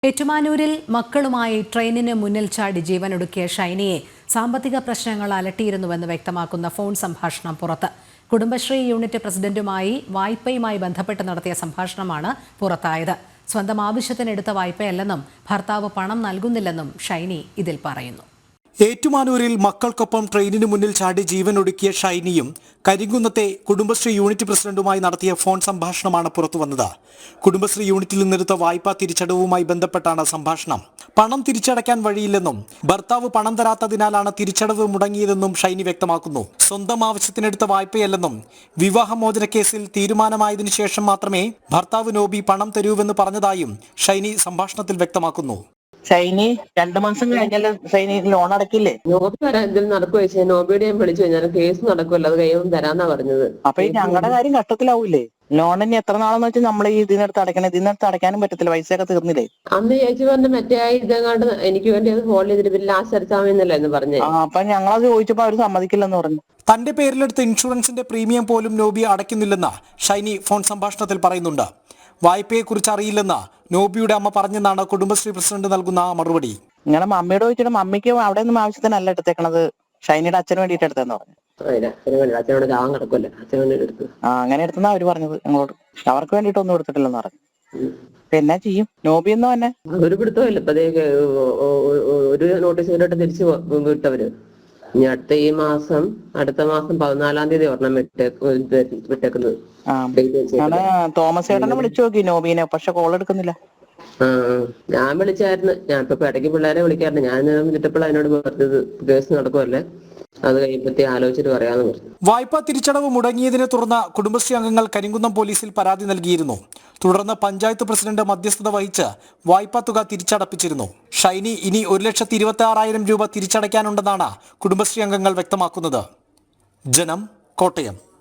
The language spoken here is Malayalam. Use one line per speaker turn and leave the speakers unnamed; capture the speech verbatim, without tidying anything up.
ഏറ്റുമാനൂരിൽ മക്കളുമായി ട്രെയിനിന് മുന്നിൽ ചാടി ജീവനൊടുക്കിയ ഷൈനിയെ സാമ്പത്തിക പ്രശ്നങ്ങൾ അലട്ടിയിരുന്നുവെന്ന് വ്യക്തമാക്കുന്ന ഫോൺ സംഭാഷണം പുറത്ത്. കുടുംബശ്രീ യൂണിറ്റ് പ്രസിഡന്റുമായി വായ്പയുമായി ബന്ധപ്പെട്ട് നടത്തിയ സംഭാഷണമാണ് പുറത്തായത്. സ്വന്തം ആവശ്യത്തിനെടുത്ത വായ്പയല്ലെന്നും ഭർത്താവ് പണം നൽകുന്നില്ലെന്നും ഷൈനി ഇതിൽ പറയുന്നു.
ഏറ്റുമാനൂരിൽ മക്കൾക്കൊപ്പം ട്രെയിനിന് മുന്നിൽ ചാടി ജീവനൊടുക്കിയ ഷൈനിയും കരിങ്കുന്നത്തെ കുടുംബശ്രീ യൂണിറ്റ് പ്രസിഡന്റുമായി നടത്തിയ ഫോൺ സംഭാഷണമാണ് പുറത്തുവന്നത്. കുടുംബശ്രീ യൂണിറ്റിൽ നിന്നെടുത്ത വായ്പാ തിരിച്ചടവുമായി ബന്ധപ്പെട്ടാണ് സംഭാഷണം. പണം തിരിച്ചടയ്ക്കാൻ വഴിയില്ലെന്നും ഭർത്താവ് പണം തരാത്തതിനാലാണ് തിരിച്ചടവ് മുടങ്ങിയതെന്നും ഷൈനി വ്യക്തമാക്കുന്നു. സ്വന്തം ആവശ്യത്തിനെടുത്ത വായ്പയല്ലെന്നും വിവാഹമോചന കേസിൽ തീരുമാനമായതിനു ശേഷം മാത്രമേ ഭർത്താവ് നോബി പണം തരൂവെന്ന് പറഞ്ഞതായും ഷൈനി സംഭാഷണത്തിൽ വ്യക്തമാക്കുന്നു.
ഷൈനി രണ്ടു മാസം കഴിഞ്ഞാൽ ഷൈനി ലോൺ അടക്കില്ലേ?
നോബി വരാൻ എന്തെങ്കിലും നടക്കുക വെച്ചാൽ നോബിയുടെ ഞാൻ വിളിച്ചു കഴിഞ്ഞാൽ കേസ് നടക്കുമല്ലോ, അത് കഴിയുമ്പോൾ തരാന്നാ പറഞ്ഞത്.
അപ്പൊ ഈ ഞങ്ങളുടെ കാര്യം കഷ്ടത്തിലാവൂലേ? ലോൺ ഇനി എത്ര നാളെന്ന് വെച്ചാൽ നമ്മൾ ഈ ഇതിനടുത്ത് അടയ്ക്കണം, ഇതിനടുത്ത് അടയ്ക്കാനും പറ്റത്തില്ല, പൈസയൊക്കെ തീർന്നില്ലേ?
അന്ന് ചേച്ചി പറഞ്ഞ മറ്റേ ഇതങ്ങാണ്ട് എനിക്ക് വേണ്ടി അത് ഹോൾഡ് ചെയ്തിട്ട് പിന്നെ ലാസ്റ്റ് അടച്ചാമെന്നല്ല എന്ന് പറഞ്ഞു.
ആ അപ്പൊ ഞങ്ങളത് ചോദിച്ചപ്പോ അവര് സമ്മതിക്കില്ലെന്ന് പറഞ്ഞു.
തന്റെ പേരിലെടുത്ത ഇൻഷുറൻസിന്റെ പ്രീമിയം പോലും നോബി അടയ്ക്കുന്നില്ലെന്ന് ഷൈനി ഫോൺ സംഭാഷണത്തിൽ പറയുന്നുണ്ട്. വായ്പയെക്കുറിച്ച് അറിയില്ലെന്ന് നോബിയുടെ അമ്മ പറഞ്ഞെന്നാണ് കുടുംബശ്രീ പ്രസിഡന്റ് നൽകുന്ന മറുപടി.
നിങ്ങളെ മമ്മിയോട് ചോദിച്ചിട്ട് മമ്മിക്ക് അവിടെ ഒന്നും ആവശ്യത്തിനല്ല എടുത്തേക്കണത്, ഷൈനിയുടെ അച്ഛന് വേണ്ടിയിട്ട് എടുത്തെന്ന് പറഞ്ഞു. ആ അങ്ങനെ എടുത്തെന്നാ അവര് പറഞ്ഞത് ഞങ്ങളോട്. അവർക്ക് വേണ്ടിയിട്ടൊന്നും എടുത്തിട്ടില്ലെന്ന് പറഞ്ഞു. പിന്നെ ചെയ്യും നോബി എന്ന് തന്നെ
ഒരു പിടുത്തമില്ല. ഇപ്പതേക്ക് ഒരു നോട്ടീസ് വീട്ടോട്ട് തിരിച്ചു വിട്ടവര്. ഇനി അടുത്ത ഈ മാസം അടുത്ത മാസം പതിനാലാം തീയതി ഒരെണ്ണം വിട്ടേക്കുന്നത്.
തോമസ് ചേട്ടനെ വിളിച്ചു നോക്കി നോബീനെ, പക്ഷെ കോൾ എടുക്കുന്നില്ല.
ആ ഞാൻ വിളിച്ചായിരുന്നു. ഞാൻ ഇപ്പൊ ഇടയ്ക്ക് പിള്ളേരെ വിളിക്കാറുണ്ട്. ഞാൻ വിളിച്ചപ്പോൾ അതിനോട് പറഞ്ഞത് കേസ് നടക്കുമല്ലേ, അത് കഴിയുമ്പത്തി ആലോചിച്ചിട്ട് പറയാന്ന് പറഞ്ഞു.
വായ്പാ തിരിച്ചടവ് മുടങ്ങിയതിനെ തുടർന്ന് കുടുംബശ്രീ അംഗങ്ങൾ കരിങ്കുന്നം പോലീസിൽ പരാതി നൽകിയിരുന്നു. തുടർന്ന് പഞ്ചായത്ത് പ്രസിഡന്റ് മധ്യസ്ഥത വഹിച്ച് വായ്പാ തുക തിരിച്ചടപ്പിച്ചിരുന്നു. ഷൈനി ഇനി ഒരു ലക്ഷത്തി ഇരുപത്തി ആറായിരം രൂപ തിരിച്ചടയ്ക്കാനുണ്ടെന്നാണ് കുടുംബശ്രീ അംഗങ്ങൾ വ്യക്തമാക്കുന്നത്. ജനം, കോട്ടയം.